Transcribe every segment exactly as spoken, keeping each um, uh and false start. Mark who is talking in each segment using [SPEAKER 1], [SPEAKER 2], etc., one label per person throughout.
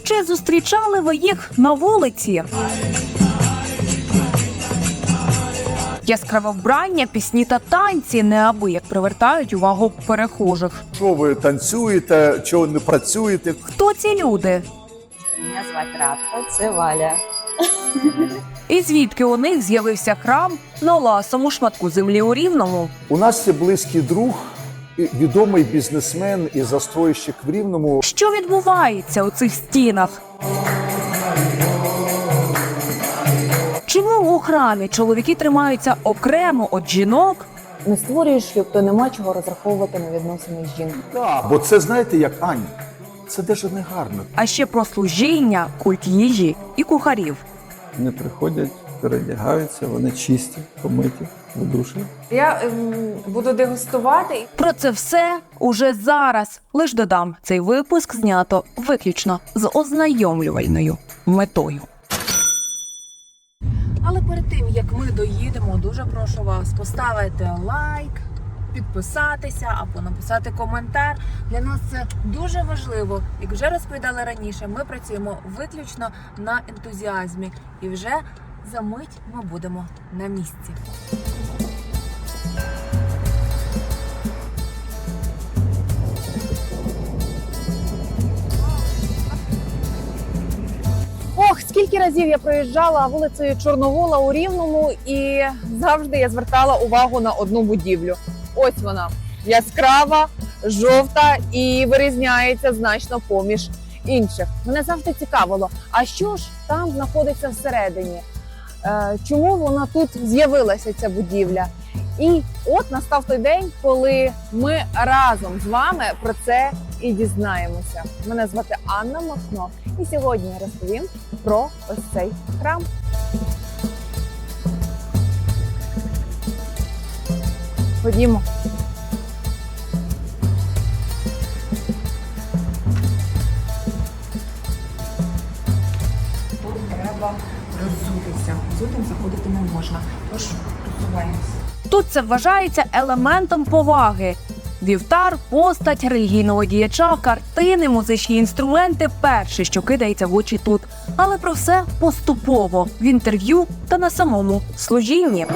[SPEAKER 1] Чи зустрічали ви їх на вулиці? Яскраве вбрання, пісні та танці неабияк привертають увагу перехожих.
[SPEAKER 2] Що ви танцюєте, чого не працюєте?
[SPEAKER 1] Хто ці люди?
[SPEAKER 3] Мене звати Радка, це Валя.
[SPEAKER 1] І звідки у них з'явився храм на ласому шматку землі у Рівному?
[SPEAKER 2] У нас є близький друг, і відомий бізнесмен і застройщик в Рівному.
[SPEAKER 1] Що відбувається у цих стінах? Чому у храмі чоловіки тримаються окремо від жінок?
[SPEAKER 3] Не створюєш шлюб, то нема чого розраховувати на відносини з жінкою.
[SPEAKER 2] Так, бо це, знаєте, як Аня, це дуже негарно.
[SPEAKER 1] А ще про служіння, культ їжі і кухарів.
[SPEAKER 4] Вони приходять, передягаються, вони чисті, помиті, видушені.
[SPEAKER 5] Я ем, буду дегустувати.
[SPEAKER 1] Про це все уже зараз. Лиш додам, цей випуск знято виключно з ознайомлювальною метою. Але перед тим, як ми доїдемо, дуже прошу вас поставити лайк, підписатися або написати коментар. Для нас це дуже важливо. Як вже розповідали раніше, ми працюємо виключно на ентузіазмі. І вже за мить ми будемо на місці.
[SPEAKER 5] Ох, скільки разів я проїжджала вулицею Чорновола у Рівному, і завжди я звертала увагу на одну будівлю. Ось вона, яскрава, жовта і вирізняється значно поміж інших. Мене завжди цікавило, а що ж там знаходиться всередині? Е, Чому вона тут з'явилася, ця будівля? І от настав той день, коли ми разом з вами про це і дізнаємося. Мене звати Анна Махно, і сьогодні я розповім про ось цей храм. Ходімо. Тут треба роззутися. Взутим заходити не можна, тож просуваємося.
[SPEAKER 1] Тут це вважається елементом поваги. Вівтар, постать релігійного діяча, картини, музичні інструменти – перше, що кидається в очі тут. Але про все поступово, в інтерв'ю та на самому служінні.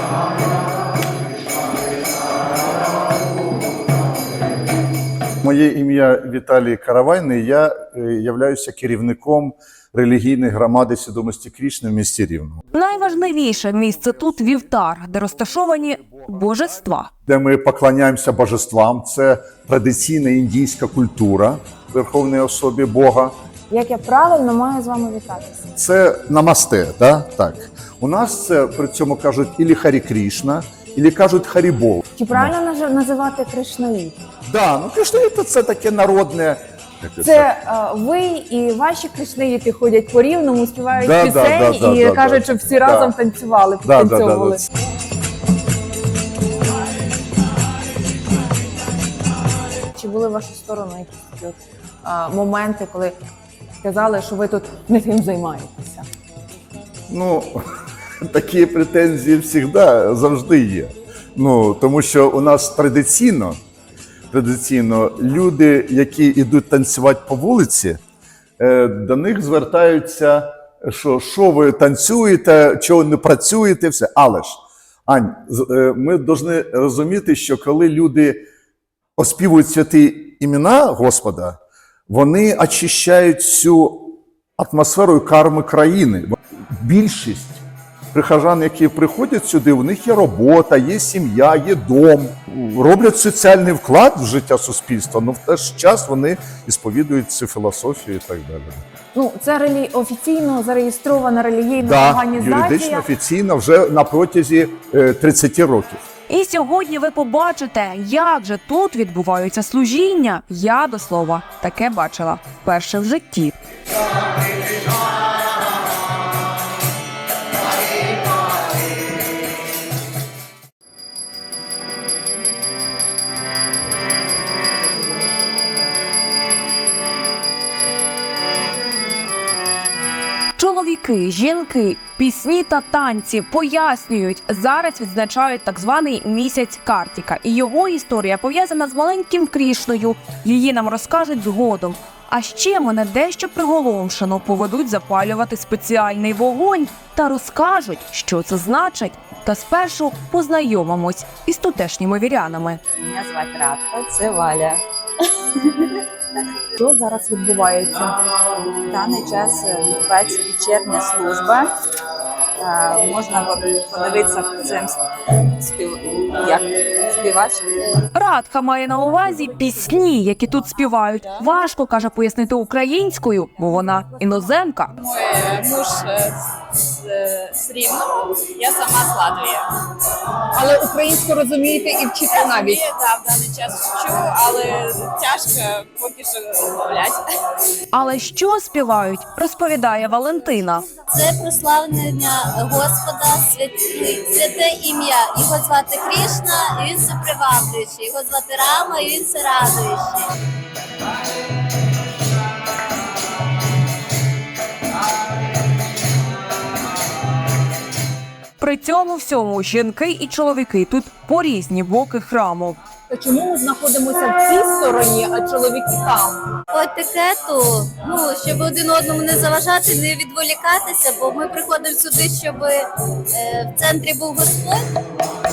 [SPEAKER 2] Моє ім'я Віталій Каравайний, я е, являюся керівником релігійної громади Свідомості Крішни в місті Рівному.
[SPEAKER 1] Найважливіше місце тут – вівтар, де розташовані божества.
[SPEAKER 2] Де ми поклоняємося божествам, це традиційна індійська культура Верховної особі Бога.
[SPEAKER 5] Як я правильно маю з вами вітатися?
[SPEAKER 2] Це намасте, да? Так. У нас це при цьому кажуть ілі Харі Крішна, ілі кажуть Харібол.
[SPEAKER 5] Чи правильно наж- називати Кришнаїд?
[SPEAKER 2] Да, ну Кришнаїд – це таке народне.
[SPEAKER 5] Це е, ви і ваші кришнаїти ходять по Рівному, співають
[SPEAKER 2] Да,
[SPEAKER 5] пісень
[SPEAKER 2] да, да,
[SPEAKER 5] і
[SPEAKER 2] да,
[SPEAKER 5] кажуть,
[SPEAKER 2] да.
[SPEAKER 5] щоб всі
[SPEAKER 2] Да.
[SPEAKER 5] разом танцювали,
[SPEAKER 2] Да, да, да,
[SPEAKER 5] підтанцьовували.
[SPEAKER 2] да.
[SPEAKER 5] Чи були в вашу сторону якісь такі от, а, моменти, коли сказали, що ви тут не тим займаєтеся?
[SPEAKER 2] Ну, такі претензії завжди, завжди є. Ну, тому що у нас традиційно, традиційно люди, які йдуть танцювати по вулиці, е, до них звертаються, що, що ви танцюєте, чого не працюєте, все. Але ж, Ань, з- е, ми повинні розуміти, що коли люди оспівують святі імена Господа, вони очищають всю атмосферу і карми країни. Більшість прихожан, які приходять сюди, у них є робота, є сім'я, є дом, роблять соціальний вклад в життя суспільства, але в той ж час вони сповідують цю філософію і так далі.
[SPEAKER 5] Ну, це релі... офіційно зареєстрована релігійна
[SPEAKER 2] Да,
[SPEAKER 5] організація.
[SPEAKER 2] юридично, офіційно вже на протязі е, тридцяти років.
[SPEAKER 1] І сьогодні ви побачите, як же тут відбуваються служіння. Я, до слова, таке бачила вперше в житті. Чоловіки, жінки, пісні та танці пояснюють, зараз відзначають так званий місяць Картіка. І його історія пов'язана з маленьким Крішною. Її нам розкажуть згодом. А ще мене дещо приголомшено поведуть запалювати спеціальний вогонь та розкажуть, що це значить. Та спершу познайомимось із тутешніми вірянами.
[SPEAKER 6] Мене звати Радка, це Валя.
[SPEAKER 3] Що зараз відбувається?
[SPEAKER 6] В даний час відбувається вечірня служба. Е, Можна подивитися в цим спів... як співач.
[SPEAKER 1] Радка має на увазі пісні, які тут співають. Важко, каже, пояснити українською, бо вона іноземка.
[SPEAKER 7] Мой муж э, с, э, с Рівного, я сама з Латвії.
[SPEAKER 5] Але українську розумієте і вчите навіть.
[SPEAKER 7] Я да, в даний час вчу, але тяжко поки що розмовляти.
[SPEAKER 1] Але що співають, розповідає Валентина.
[SPEAKER 8] Це прославлення Господа, святи- святе ім'я. Його звати Крішна, і він все приваблюючий. Його звати Рама, і він все радуючий.
[SPEAKER 1] При цьому всьому жінки і чоловіки тут по різні боки храму.
[SPEAKER 5] То чому ми знаходимося в цій стороні, а чоловіки там?
[SPEAKER 8] От таке то, ну, щоб один одному не заважати, не відволікатися, бо ми приходимо сюди, щоб е, в центрі був Господь.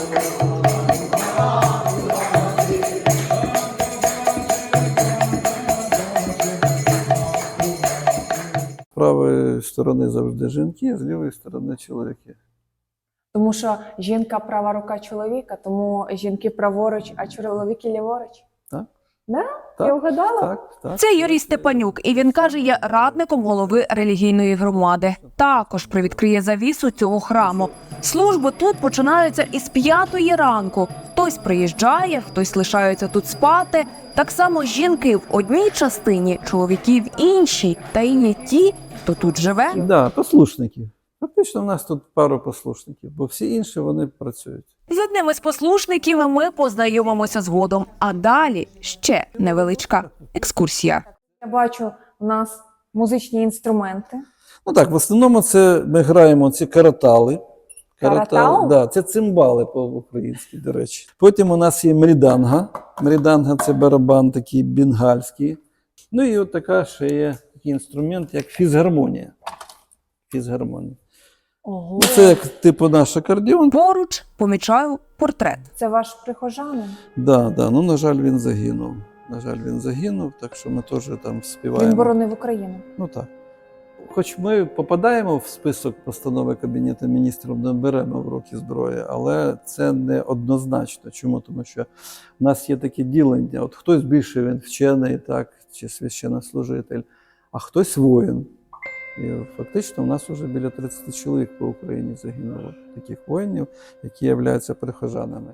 [SPEAKER 4] З правої сторони завжди жінки, з лівої сторони чоловіки.
[SPEAKER 3] Тому що жінка права рука чоловіка, тому жінки праворуч, а чоловіки ліворуч.
[SPEAKER 4] Так.
[SPEAKER 3] Да?
[SPEAKER 4] Так,
[SPEAKER 3] Я вгадала?
[SPEAKER 4] Так, так.
[SPEAKER 1] Це Юрій Степанюк, і він каже, є радником голови релігійної громади. Також привідкриє завісу цього храму. Служби тут починаються із п'ятої ранку. Хтось приїжджає, хтось лишається тут спати. Так само жінки в одній частині, чоловіки в іншій. Та і є ті, хто тут живе.
[SPEAKER 4] Да, послушники. Фактично, в нас тут пару послушників, бо всі інші вони працюють.
[SPEAKER 1] З одним із послушників ми познайомимося згодом. А далі ще невеличка екскурсія.
[SPEAKER 3] Я бачу, у нас музичні інструменти.
[SPEAKER 4] Ну так, в основному це ми граємо ці каратали.
[SPEAKER 3] Каратал?
[SPEAKER 4] Да, це цимбали по-українськи, до речі. Потім у нас є мріданга. Мріданга – це барабан такий бенгальський. Ну і от така ще є такий інструмент, як фізгармонія. Фізгармонія.
[SPEAKER 3] Ого.
[SPEAKER 4] Ну, це як типу наш акордеон.
[SPEAKER 1] Поруч помічаю портрет.
[SPEAKER 3] Це ваш прихожанин?
[SPEAKER 4] Да, да. Ну, на жаль, він загинув. На жаль, він загинув, так що ми теж там співаємо.
[SPEAKER 3] Він боронив Україну.
[SPEAKER 4] Ну так. Хоч ми попадаємо в список постанови Кабінету міністрів, не беремо в руки зброї, але це не однозначно. Чому? Тому що в нас є таке ділення. От хтось більше він вчений, так, чи священнослужитель, а хтось воїн. І фактично у нас вже біля тридцять чоловік по Україні загинуло, таких воїнів, які являються прихожанами.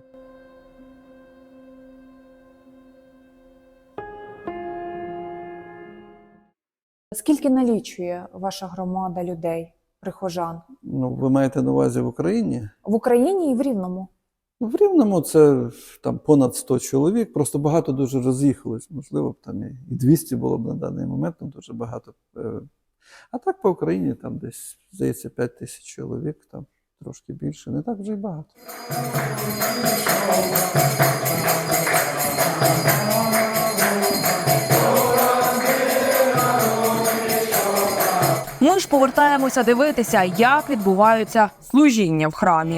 [SPEAKER 3] Скільки налічує ваша громада людей, прихожан?
[SPEAKER 4] Ну, ви маєте на увазі в Україні?
[SPEAKER 3] В Україні і в Рівному?
[SPEAKER 4] Ну, в Рівному це там понад сто чоловік, просто багато дуже роз'їхалось. Можливо, б там і двісті було б на даний момент, там дуже багато. А так по Україні там десь, здається, п'ять тисяч чоловік, там трошки більше, не так вже й багато.
[SPEAKER 1] Ми ж повертаємося дивитися, як відбуваються служіння в храмі.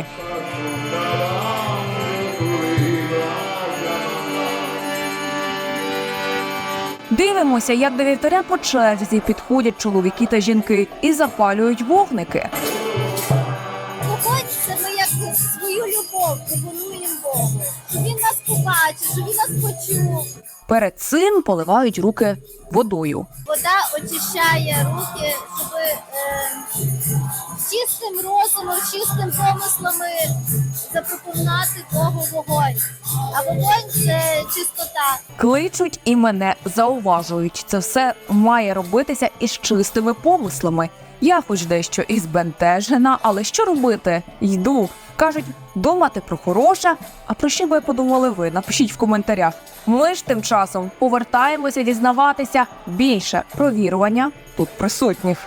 [SPEAKER 1] Дивимося, як до вівтаря по черзі підходять чоловіки та жінки і запалюють вогники.
[SPEAKER 8] Вогонь – це ми як свою любов пропонуємо Богу, щоб він нас побачив, щоб він нас почув.
[SPEAKER 1] Перед цим поливають руки водою.
[SPEAKER 8] Вода очищає руки, щоб е, чистим розумом, чистим помислами запропонувати Богу вогонь. А вогонь – це чистота.
[SPEAKER 1] Кличуть і мене зауважують. Це все має робитися із чистими помислами. Я хоч дещо і збентежена, але що робити? Йду. Кажуть, думати про хороше, а про що би подумали ви? Напишіть в коментарях. Ми ж тим часом повертаємося дізнаватися більше про вірування тут присутніх.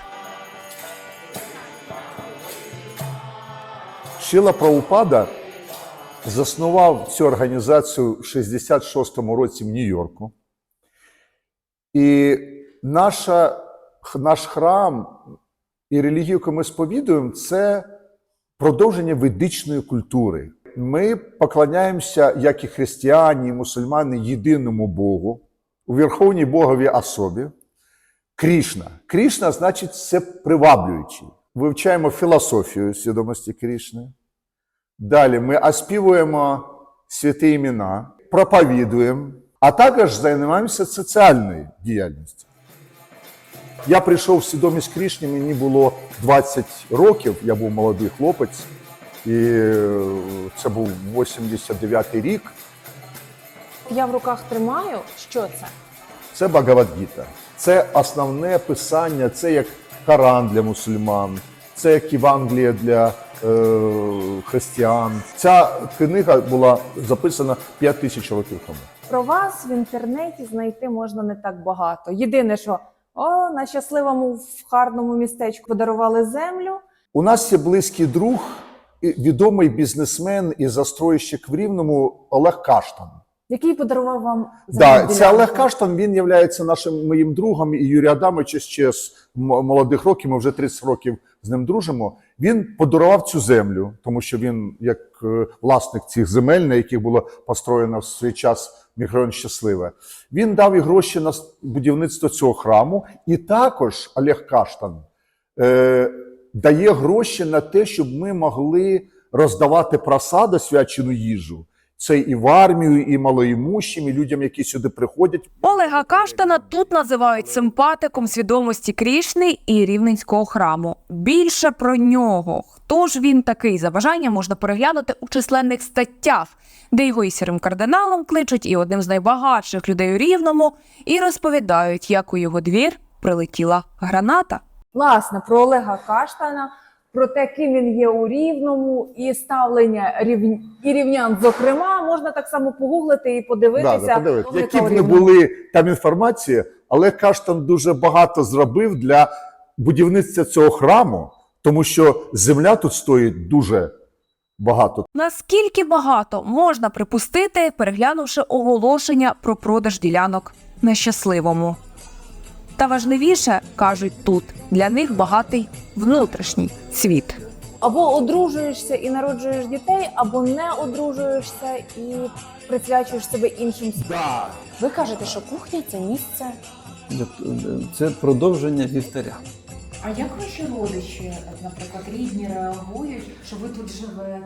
[SPEAKER 2] Шріла Прабхупада заснував цю організацію в шістдесят шостому році в Нью-Йорку. І наша, наш храм і релігію, яку ми сповідуємо, це продовження ведичної культури. Ми поклоняємося, як і християни, і мусульмани, єдиному Богу, у Верховній Боговій особі. Крішна. Крішна значить це приваблюючий. Вивчаємо філософію свідомості Крішни. Далі ми оспівуємо святі імена, проповідуємо, а також займаємося соціальною діяльністю. Я прийшов в свідомість Крішни, мені було двадцять років, я був молодий хлопець, і це був вісімдесят дев'ятий рік.
[SPEAKER 3] Я в руках тримаю. Що це?
[SPEAKER 2] Це Бхагавад-гіта. Це основне писання, це як Коран для мусульман, це як Євангеліє для е, християн. Ця книга була записана п'ять тисяч років тому.
[SPEAKER 3] Про вас в інтернеті знайти можна не так багато. Єдине, що о, на щасливому в гарному містечку подарували землю.
[SPEAKER 2] У нас є близький друг, і відомий бізнесмен і застройщик в Рівному Олег Каштан.
[SPEAKER 3] Який подарував вам
[SPEAKER 2] Да,
[SPEAKER 3] землю?
[SPEAKER 2] це Олег Каштан, він є нашим моїм другом, і Юрій Адамович ще з молодих років, ми вже тридцять років з ним дружимо. Він подарував цю землю, тому що він, як власник цих земель, на яких було построєно в свій час мікрорайон Щасливе, він дав і гроші на будівництво цього храму, і також Олег Каштан е, дає гроші на те, щоб ми могли роздавати просаду, свячену їжу. Це і в армію, і малоімущим, і людям, які сюди приходять.
[SPEAKER 1] Олега Каштана тут називають симпатиком свідомості Крішни і Рівненського храму. Більше про нього, хто ж він такий, за бажанням можна переглянути у численних статтях, де його і сірим кардиналом кличуть, і одним з найбагатших людей у Рівному, і розповідають, як у його двір прилетіла граната.
[SPEAKER 3] Власне, про Олега Каштана, про те, ким він є у Рівному, і ставлення рів... і рівнян, зокрема, можна так само погуглити і подивитися.
[SPEAKER 2] Да, да, подивитися.
[SPEAKER 3] Олега
[SPEAKER 2] Які б
[SPEAKER 3] у
[SPEAKER 2] не
[SPEAKER 3] Рівному.
[SPEAKER 2] були там інформації, Олег Каштан дуже багато зробив для будівництва цього храму, тому що земля тут стоїть дуже багато.
[SPEAKER 1] Наскільки багато можна припустити, переглянувши оголошення про продаж ділянок на Щасливому. Та важливіше, кажуть тут, для них багатий внутрішній світ.
[SPEAKER 3] Або одружуєшся і народжуєш дітей, або не одружуєшся і присвячуєш себе іншим.
[SPEAKER 2] Да.
[SPEAKER 3] Ви кажете, що кухня – це місце.
[SPEAKER 4] Це продовження вівтаря.
[SPEAKER 1] А як ваші родичі, наприклад, рідні реагують, що ви тут живете?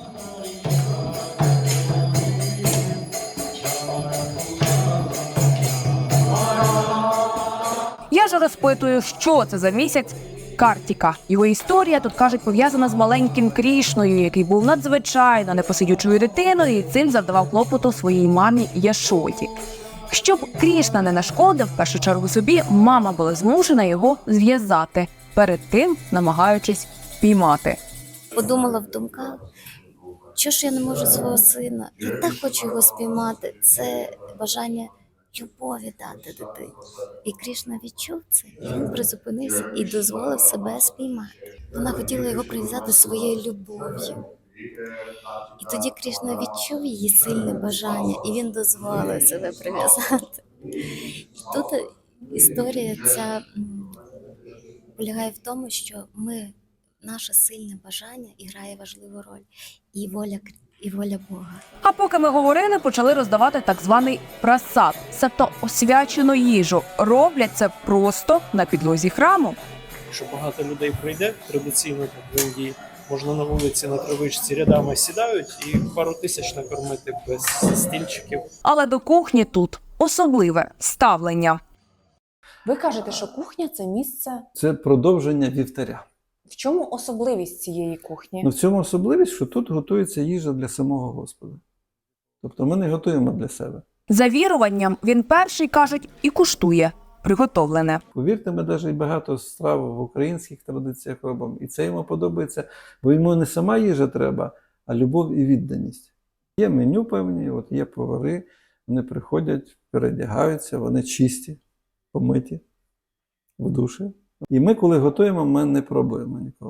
[SPEAKER 1] Я ж розпитую, що це за місяць Картіка. Його історія, тут кажуть, пов'язана з маленьким Крішною, який був надзвичайно непосидючою дитиною і цим завдавав клопоту своїй мамі Яшоді. Щоб Крішна не нашкодив, в першу чергу собі, мама була змушена його зв'язати, перед тим намагаючись піймати.
[SPEAKER 8] Подумала в думках, що ж я не можу свого сина, я так хочу його спіймати. Це бажання любові дати дитині. І Крішна відчув це, і він призупинився і дозволив себе спіймати. Вона хотіла його прив'язати своєю любов'ю. І тоді Крішна відчув її сильне бажання, і він дозволив себе прив'язати. І тут історія ця м, полягає в тому, що ми, наше сильне бажання і грає важливу роль, і воля, і воля Бога.
[SPEAKER 1] А поки ми говорили, почали роздавати так званий прасад, себто освячену їжу. Роблять це просто на підлозі храму.
[SPEAKER 9] Якщо багато людей прийде, традиційно так в Індії, можна на вулиці на травичці рядами сідають і пару тисяч накормити без стільчиків.
[SPEAKER 1] Але до кухні тут особливе ставлення.
[SPEAKER 3] Ви кажете, що кухня – це місце.
[SPEAKER 4] Це продовження вівтаря.
[SPEAKER 3] В чому особливість цієї кухні?
[SPEAKER 4] Ну, в цьому особливість, що тут готується їжа для самого Господа. Тобто ми не готуємо для себе.
[SPEAKER 1] За віруванням він перший, кажуть, і куштує приготовлене.
[SPEAKER 4] Повірте, ми навіть багато страв в українських традиціях робимо. І це йому подобається, бо йому не сама їжа треба, а любов і відданість. Є меню певні, от є повари, вони приходять, передягаються, вони чисті, помиті, в душі. І ми, коли готуємо, ми не пробуємо ніколи.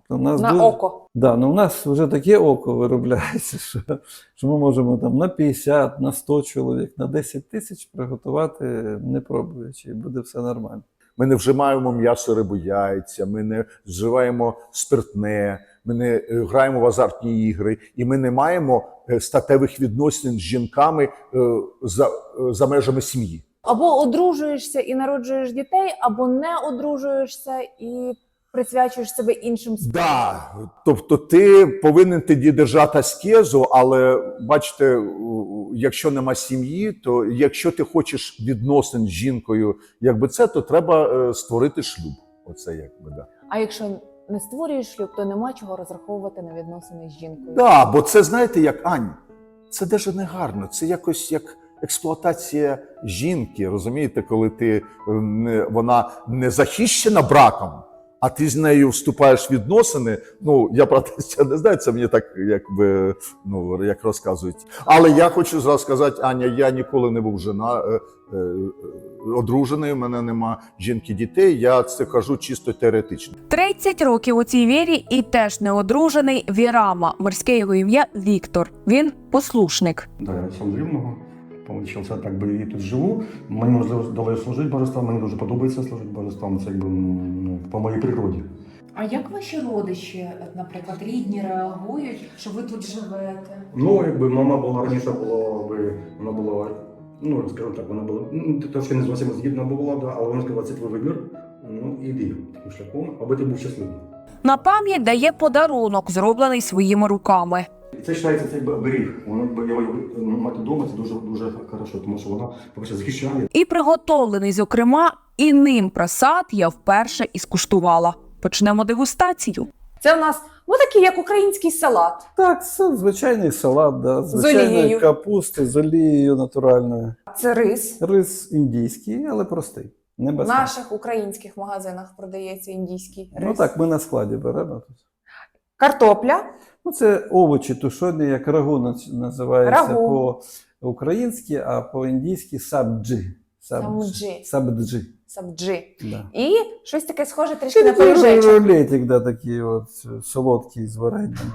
[SPEAKER 4] У нас
[SPEAKER 5] На
[SPEAKER 4] дуже-
[SPEAKER 5] око.
[SPEAKER 4] Да, ну у нас вже таке око виробляється, що, що ми можемо там на п'ятдесят, на сто чоловік, на десять тисяч приготувати, не пробуючи, і буде все нормально.
[SPEAKER 2] Ми не вживаємо м'ясо, рибу, яйця, ми не вживаємо спиртне, ми не е, граємо в азартні ігри, і ми не маємо е, статевих відносин з жінками е, за, е, за межами сім'ї.
[SPEAKER 3] Або одружуєшся і народжуєш дітей, або не одружуєшся і присвячуєш себе іншим справам.
[SPEAKER 2] Да, тобто ти повинен тоді держати аскезу, але бачите, у- якщо нема сім'ї, то якщо ти хочеш відносин з жінкою, якби це, то треба е, створити шлюб. Оце якби да.
[SPEAKER 3] А якщо не створюєш шлюб, то нема чого розраховувати на відносини з жінкою.
[SPEAKER 2] Да, бо це знаєте, як Ань, це дуже не гарно. Це якось як експлуатація жінки. Розумієте, коли ти е, не, вона не захищена браком, а ти з нею вступаєш в відносини. Ну, я про це не знаю, це мені так якби ну як розказують. Але я хочу зразу сказати, Аня, я ніколи не був жена, е, е, одружений, у мене нема жінки, дітей. Я це кажу чисто теоретично.
[SPEAKER 1] тридцять років у цій вірі і теж неодружений Вірама. Морське його ім'я Віктор. Він послушник.
[SPEAKER 10] Да, я сам з Рівного. Получився, так би і тут живу. Мені можливо вдалося служити божествам, мені дуже подобається служити божествам, це якби ну, по моїй природі.
[SPEAKER 1] А як ваші родичі, наприклад, рідні реагують, що ви тут живете?
[SPEAKER 10] Ну, якби мама була раніше, було би, вона була, ну, скажімо так, вона була, ну, трошки не зовсім згідна була, да, але вона сказала, це твій вибір, ну, іди таким шляхом, аби ти був щасливий.
[SPEAKER 1] На пам'ять дає подарунок, зроблений своїми руками.
[SPEAKER 10] Це вважається цей оберіг, воно якби його мати вдома, це дуже, дуже хорошо, тому що вона, по-перше, захищає.
[SPEAKER 1] І приготовлений, зокрема, і ним просад я вперше і скуштувала. Почнемо дегустацію.
[SPEAKER 3] Це в нас ну такий, як український салат.
[SPEAKER 4] Так, це звичайний салат, да, звичайної
[SPEAKER 3] олією.
[SPEAKER 4] капусти з олією натуральною.
[SPEAKER 3] Це рис.
[SPEAKER 4] Рис індійський, але простий. Не
[SPEAKER 3] В
[SPEAKER 4] без
[SPEAKER 3] наших українських магазинах продається індійський рис.
[SPEAKER 4] Ну так, ми на складі беремо тут.
[SPEAKER 3] Картопля.
[SPEAKER 4] Ну, це овочі тушені, як рагу нац- називається
[SPEAKER 3] Рагу.
[SPEAKER 4] по-українськи, а по-індійськи сабджі.
[SPEAKER 3] Самджі.
[SPEAKER 4] Сабджі.
[SPEAKER 3] Сабджі.
[SPEAKER 4] Да.
[SPEAKER 3] І щось таке схоже трішки
[SPEAKER 4] Це
[SPEAKER 3] на
[SPEAKER 4] такий
[SPEAKER 3] пиріжечок.
[SPEAKER 4] рулетик, да, такий от солодкий з варенням.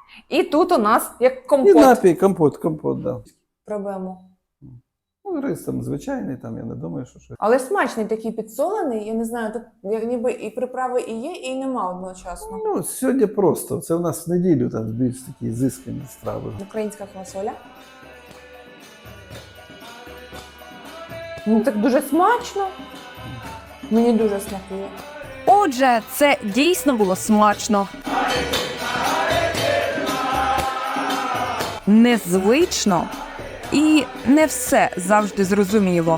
[SPEAKER 3] І тут у нас як
[SPEAKER 4] І
[SPEAKER 3] компот.
[SPEAKER 4] напій, компот, компот, да.
[SPEAKER 3] Пробуємо.
[SPEAKER 4] Ну, рис там звичайний, там я не думаю, що щось.
[SPEAKER 3] Але смачний такий підсолений. Я не знаю, тут як ніби і приправи і є, і нема одночасно.
[SPEAKER 4] Ну, сьогодні просто. Це у нас в неділю там більш такі зискані страви.
[SPEAKER 3] Українська квасоля. Ну так дуже смачно. Мені дуже смакує.
[SPEAKER 1] Отже, це дійсно було смачно. Незвично. І не все завжди зрозуміло.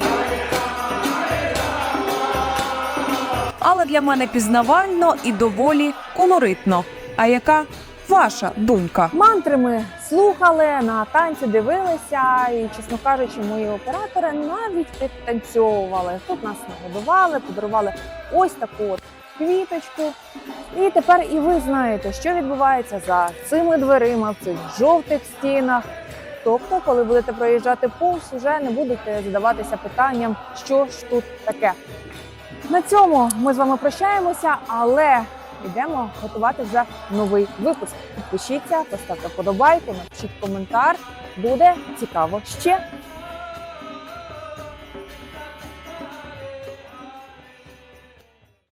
[SPEAKER 1] Але для мене пізнавально і доволі колоритно. А яка ваша думка?
[SPEAKER 3] Мантри ми слухали, на танці дивилися, і, чесно кажучи, мої оператори навіть підтанцьовували. Тут нас нагодували, подарували ось таку от квіточку. І тепер і ви знаєте, що відбувається за цими дверима в цих жовтих стінах. Тобто, коли будете проїжджати повз, вже не будете задаватися питанням, що ж тут таке. На цьому ми з вами прощаємося, але йдемо готувати вже новий випуск. Підпишіться, поставте вподобайку, напишіть коментар. Буде цікаво ще.